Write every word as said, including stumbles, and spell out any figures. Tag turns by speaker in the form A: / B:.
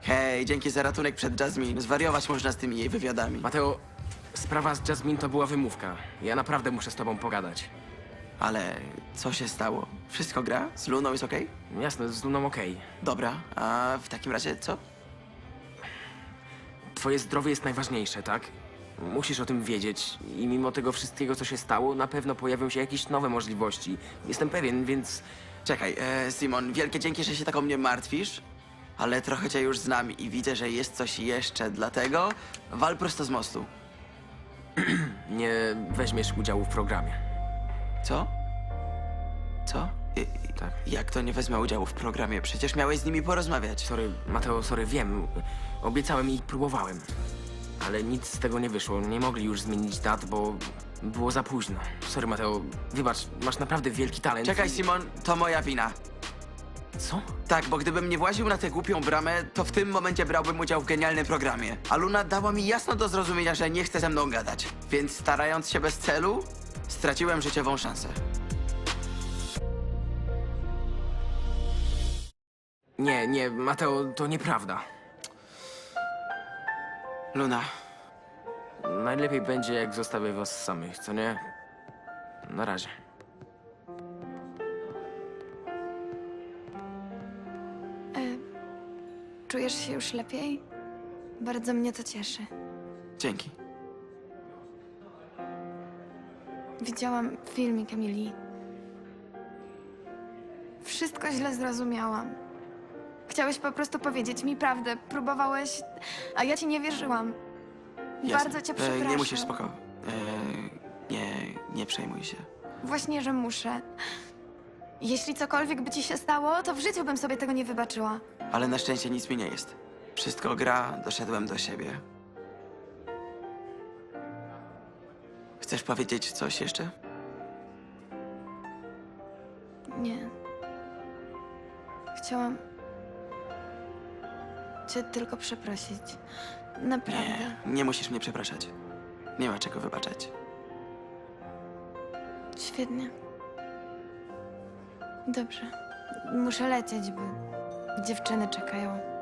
A: Hej, dzięki za ratunek przed Jasmine. Zwariować można z tymi jej wywiadami.
B: Mateo, sprawa z Jasmine to była wymówka. Ja naprawdę muszę z tobą pogadać.
A: Ale co się stało? Wszystko gra? Z Luną jest okej?
B: Jasne, z Luną okej.
A: Dobra, a w takim razie co?
B: Twoje zdrowie jest najważniejsze, tak? Musisz o tym wiedzieć i mimo tego wszystkiego, co się stało, na pewno pojawią się jakieś nowe możliwości. Jestem pewien, więc...
A: Czekaj, e, Simon, wielkie dzięki, że się tak o mnie martwisz, ale trochę cię już znam i widzę, że jest coś jeszcze, dlatego wal prosto z mostu.
B: nie weźmiesz udziału w programie.
A: Co? Co? I,
B: Tak.
A: Jak to nie wezmę udziału w programie? Przecież miałeś z nimi porozmawiać.
B: Sorry, Mateo, sorry, wiem. Obiecałem i próbowałem. Ale nic z tego nie wyszło. Nie mogli już zmienić dat, bo było za późno. Sorry, Mateo, wybacz, masz naprawdę wielki talent.
A: Czekaj, Simon, to moja wina.
B: Co?
A: Tak, bo gdybym nie właził na tę głupią bramę, to w tym momencie brałbym udział w genialnym programie. A Luna dała mi jasno do zrozumienia, że nie chce ze mną gadać. Więc starając się bez celu, straciłem życiową szansę.
B: Nie, nie, Mateo, to nieprawda.
A: Luna,
B: Najlepiej będzie, jak zostawię was samych, co nie? Na razie.
C: Czujesz się już lepiej? Bardzo mnie to cieszy.
A: dzięki.
C: Widziałam filmik Emilii. Wszystko źle zrozumiałam. Chciałeś po prostu powiedzieć mi prawdę. Próbowałeś, a ja ci nie wierzyłam.
A: Jasne.
C: Bardzo cię przepraszam.
A: E, nie musisz, spoko. E, nie, nie przejmuj się.
C: Właśnie, że muszę. Jeśli cokolwiek by ci się stało, to w życiu bym sobie tego nie wybaczyła.
A: Ale na szczęście nic mi nie jest. Wszystko gra, doszedłem do siebie. Chcesz powiedzieć coś jeszcze?
C: Nie. Chciałam cię tylko przeprosić. Naprawdę.
A: Nie, nie musisz mnie przepraszać. Nie ma czego wybaczać.
C: Świetnie. Dobrze. Muszę lecieć, bo dziewczyny czekają.